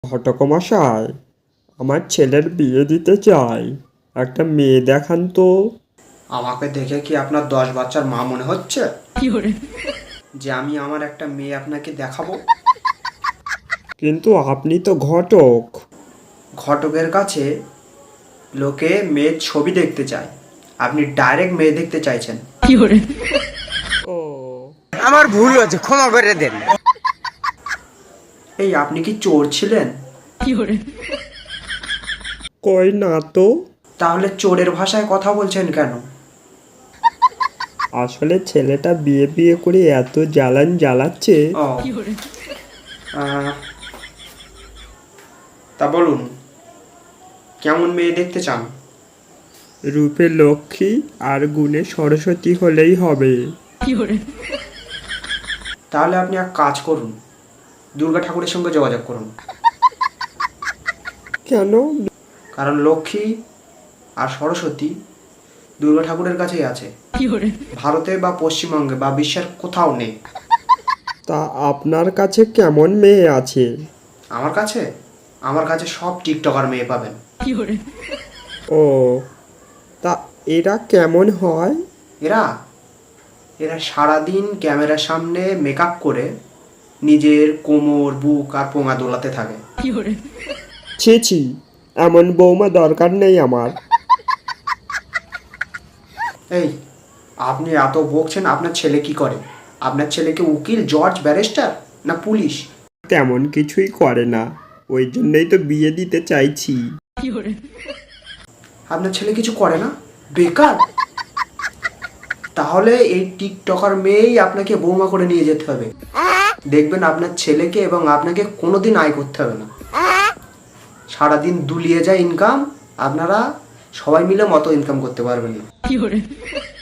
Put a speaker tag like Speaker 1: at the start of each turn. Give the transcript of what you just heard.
Speaker 1: ঘটক মশাই, আমার ছেলের বিয়ে দিতে চাই, একটা মেয়ে দেখান তো।
Speaker 2: আমাকে দেখে কি আপনার 10 বাচ্চার মা মনে হচ্ছে যে আমি আমার একটা মেয়ে আপনাকে দেখাবো?
Speaker 1: কিন্তু আপনি তো ঘটক।
Speaker 2: ঘটকের কাছে লোকে মেয়ের ছবি দেখতে চায়, আপনি ডাইরেক্ট মেয়ে দেখতে চাইছেন।
Speaker 1: ও,
Speaker 3: আমার ভুল হয়েছে, ক্ষমা করে দেন।
Speaker 2: এই আপনি কি চোর ছিলেন?
Speaker 1: কই না তো।
Speaker 2: তাহলে চোরের ভাষায় কথা বলছেন কেন?
Speaker 1: আসলে ছেলেটা বিয়ে বিয়ে করে এত জ্বালান জ্বালাচ্ছে।
Speaker 2: ও তা বলুন, কেমন মেয়ে দেখতে চান?
Speaker 1: রূপে লক্ষ্মী আর গুণে সরস্বতী হলেই হবে।
Speaker 2: তাহলে আপনি এক কাজ করুন, দুর্গা ঠাকুরের সঙ্গে যোগাযোগ করুন।
Speaker 1: কেন?
Speaker 2: কারণ লক্ষ্মী আর সরস্বতী দুর্গা ঠাকুরের কাছেই আছে, ভারতে বা পশ্চিমবঙ্গে বা বিশ্বের কোথাও নেই।
Speaker 1: তা আপনার কাছে কেমন মেয়ে আছে?
Speaker 2: আমার কাছে আমার কাছে সব টিকটকার মেয়ে পাবেন।
Speaker 1: ও, তা এরা কেমন হয়?
Speaker 2: এরা এরা সারাদিন ক্যামেরার সামনে মেকআপ করে নিজের কোমর, বুক আর পোঙা দোলাতে থাকে।
Speaker 1: ছি ছি, এমন বৌমা দরকার নেই আমার।
Speaker 2: এই আপনি এত বকছেন, আপনার ছেলে কি করে? আপনার ছেলেকে উকিল, জজ, ব্যারিস্টার না পুলিশ?
Speaker 1: তেমন কিছুই করে না, ওই জন্যই তো বিয়ে দিতে চাইছি।
Speaker 2: আপনার ছেলে কিছু করে না, বেকার? তাহলে এই টিকটকার মেয়েই আপনাকে বৌমা করে নিয়ে যেতে হবে। দেখবেন আপনার ছেলেকে এবং আপনাকে কোনোদিন আয় করতে হবে না। সারাদিন দুলিয়ে যায় ইনকাম, আপনারা সবাই মিলে মতো ইনকাম করতে পারবেন না।